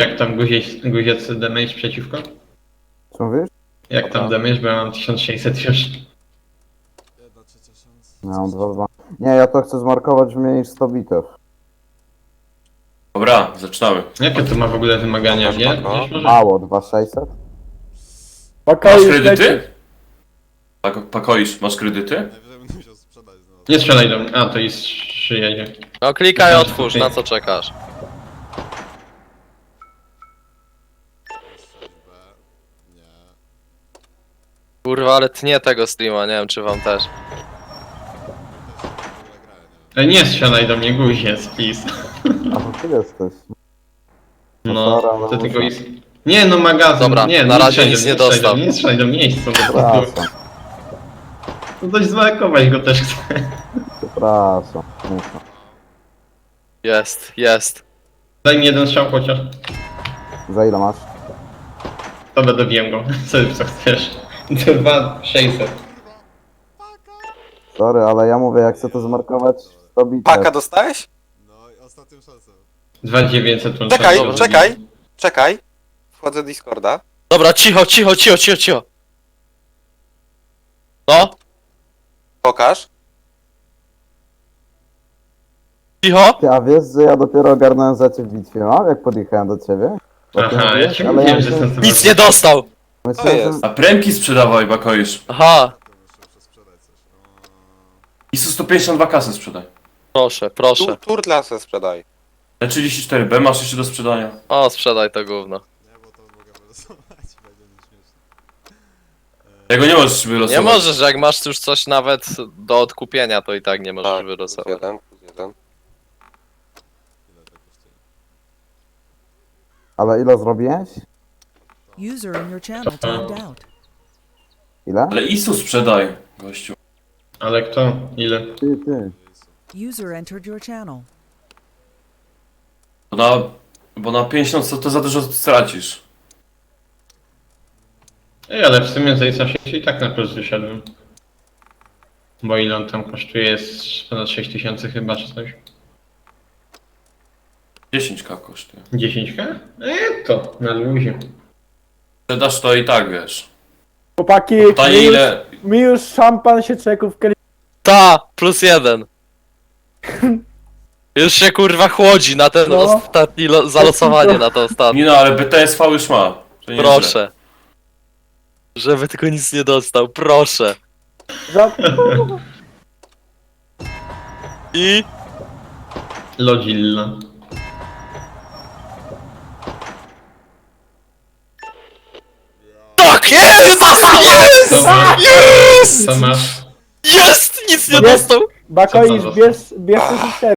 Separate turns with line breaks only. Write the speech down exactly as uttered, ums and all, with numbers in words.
jak tam guziec, guziec damage przeciwko?
Co mówisz?
Jak tam damage, bo ja mam tysiąc sześćset już.
Jedna trzecia szans.
Ja mam dwa dwa. Nie, ja to chcę zmarkować w mniej niż sto bitew.
Dobra, zaczynamy.
Jakie to ma w ogóle wymagania, wie?
Spoko.
Wiesz może?
Mało, dwa sześćset?
Masz
Pokoju
kredyty? Pak pakoisz, masz kredyty?
Najwyżej będę musiał sprzedać znowu.
Nie strzelaj do mnie. A, to jest przyjedzie.
No klikaj, otwórz, na co czekasz?
sześć B. Nie.
Kurwa, ale tnie tego streama, nie wiem czy wam też.
W ogóle grałem, nie wiem.
Ej, nie strzelaj do mnie, guziec, please.
A to ty jesteś.
No,
dobra, ale
to tylko
muszę.
jest... Nie no, magazyn,
Dobra,
nie,
na
nie
razie
strzelaj do
nic
mnie,
nie
strzelaj do
dostał.
mnie, Nie strzelaj do mnie, nie chcę do
Przepraszam,
No dość zmarkować go też chcę.
przepraszam. Muszę.
Jest, jest.
Daj mi jeden strzał chociaż.
Za ile masz?
To będę wiem go, co, co chcesz. Dwa sześćset.
Sorry, ale ja mówię, jak chcę to zmarkować sto bitew.
Paka dostałeś?
No i ostatnią szansę.
Dwa dziewięćset łącznie.
Czekaj,
Dobra.
czekaj, czekaj. Wchodzę do Discorda.
Dobra, cicho, cicho, cicho, cicho, cicho. No,
Pokaż.
cicho.
Ty, a wiesz, że ja dopiero ogarnąłem za ciebie w bitwie, mam? Jak podjechałem do ciebie? Bo ty
Aha, ja
mówisz,
ci
ale
mówiłem,
ja
że
myślę-
jestem
Nic nie dostał.
myślałem,
To jest.
że-
A premki sprzedawaj, bakoisz.
Aha,
To muszę przesprzedać coś.
I sto pięćdziesiąt dwa kasy sprzedaj.
proszę,
Tu,
proszę.
turtla se sprzedaj.
E trzydzieści cztery B masz jeszcze do sprzedania.
O, sprzedaj to gówno.
Nie, bo to mogę wylosować, będzie nieśmieszne.
Tego nie możesz wylosować.
Nie możesz, jak masz już coś nawet do odkupienia, to i tak nie możesz
Tak, plus
wylosować.
jeden, plus jeden.
Ile to kosztuje?
Ale ile zrobiłeś?
User in your channel timed out.
Ile?
Ale Isu sprzedaj, gościu.
Ale kto? Ile?
Ty, ty.
User entered your channel.
Bo na, bo na pięćdziesiąt to, to za dużo stracisz.
Ej, ale w sumie za Isa się i tak na plus wyszedłem. Bo ile on tam kosztuje? Jest ponad sześć tysięcy chyba, czy coś.
dziesięć K kosztuje.
dziesięć ka? Eee, to na luzie.
Sprzedasz to i tak, wiesz.
Chłopaki,
Pytanie
mi już,
ile...
mi już szampan się czeków w
Ta, plus jeden. Już się kurwa chłodzi na ten
No.
ostatni lo- zalosowanie na to ostatnie.
Nie no, ale B T S V już ma. To nie
Proszę. Żeby tylko nic nie dostał, proszę.
Za...
I...
Lodzilla.
Tak, jest!
Co
Jest!
masz?
Jest!
Co masz?
Jest! Nic nie
Jest!
dostał!
Bakoisz,
Co to
bierz, bierz te